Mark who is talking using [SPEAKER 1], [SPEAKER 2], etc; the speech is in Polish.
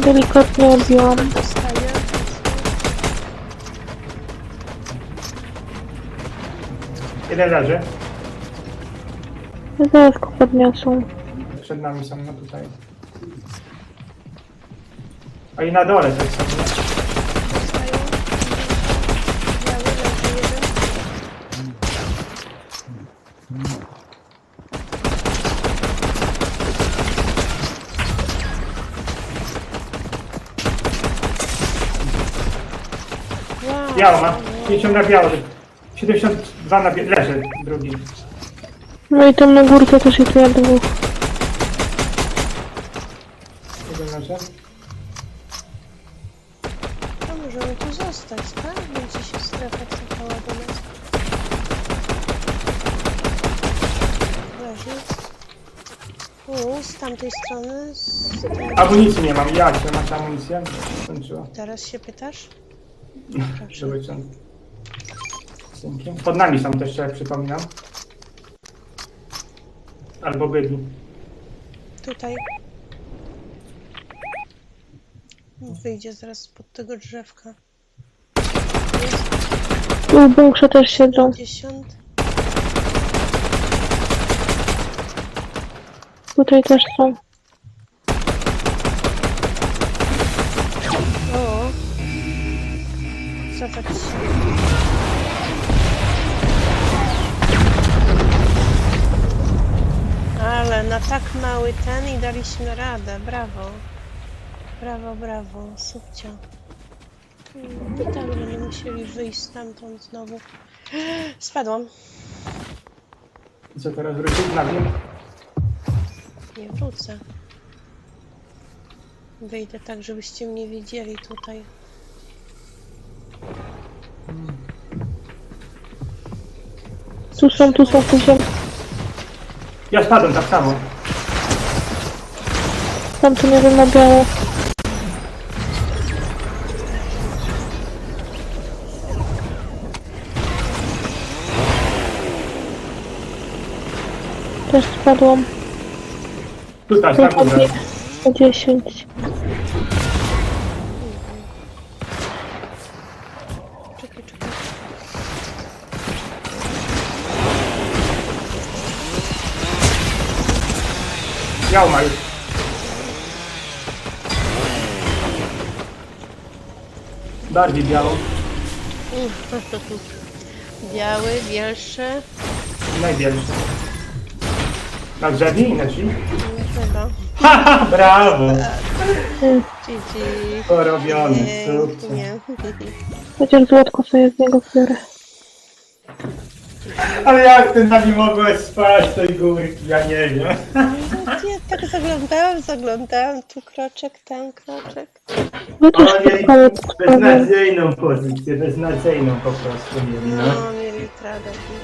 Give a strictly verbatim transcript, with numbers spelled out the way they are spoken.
[SPEAKER 1] Delikatnie odbiłam.
[SPEAKER 2] Dostaję.
[SPEAKER 3] Jeden leży.
[SPEAKER 1] Zaraz go podniosą.
[SPEAKER 3] Przed nami są, no tutaj. A i na dole też są.
[SPEAKER 2] Dostaję. Biały leży jeden. Wow.
[SPEAKER 3] Biało ma. pięćdziesiąt na biało. siedemdziesiąt dwa na biało. Leży drugi.
[SPEAKER 1] No i tam na górce też jest ja dwóch.
[SPEAKER 3] Jeden leży.
[SPEAKER 2] To możemy tu zostać, tak? Będzie się strefa cofała do nas. Leży. U, z tamtej strony. Z tej...
[SPEAKER 3] Amunicji nie mam. Ja cię masz amunicję? Skończyła.
[SPEAKER 2] Teraz się pytasz? Proszę.
[SPEAKER 3] Żeby cię... Dzięki. Pod nami są też, jak przypominam. Albo byli.
[SPEAKER 2] Tutaj. Wyjdzie zaraz spod tego drzewka. Jest
[SPEAKER 1] Tu w bunkrze też siedzą.
[SPEAKER 2] pięćdziesiąt.
[SPEAKER 1] Tutaj też są.
[SPEAKER 2] O! Cofać się. Ale na tak mały ten i daliśmy radę. Brawo. Brawo, brawo. Subcio. Hmm, tak, że nie musieli wyjść stamtąd znowu. Spadłam.
[SPEAKER 3] I co teraz wrócić na dół?
[SPEAKER 2] Nie wrócę. Wyjdę tak, żebyście mnie widzieli tutaj.
[SPEAKER 1] Tu są, tu są, tu są.
[SPEAKER 3] Ja spadłem tak samo.
[SPEAKER 1] Tam tu nie wiem na biało. Też spadłam.
[SPEAKER 3] Tutaj, na górze.
[SPEAKER 1] Po dziesięć.
[SPEAKER 2] Czekaj, czekaj.
[SPEAKER 3] Biało ma już. Bardziej biało.
[SPEAKER 2] Biały, bielszy.
[SPEAKER 3] Największy. Na drzewie i na drzwi?
[SPEAKER 2] Chyba.
[SPEAKER 3] Haha, brawo!
[SPEAKER 2] Cici.
[SPEAKER 3] Porobiony, super.
[SPEAKER 2] Nie.
[SPEAKER 1] Chociaż złotko sobie z niego biorę.
[SPEAKER 3] Ale jak ty na nim mogłeś spać z tej górki, ja nie wiem.
[SPEAKER 2] Ja tak zaglądałam, zaglądałam. Tu kroczek, tam kroczek.
[SPEAKER 1] Wy też
[SPEAKER 3] Oni
[SPEAKER 1] spotkałeś z
[SPEAKER 3] beznadziejną pozycję, beznadziejną po prostu mieli, no.
[SPEAKER 2] No, mieli tradę.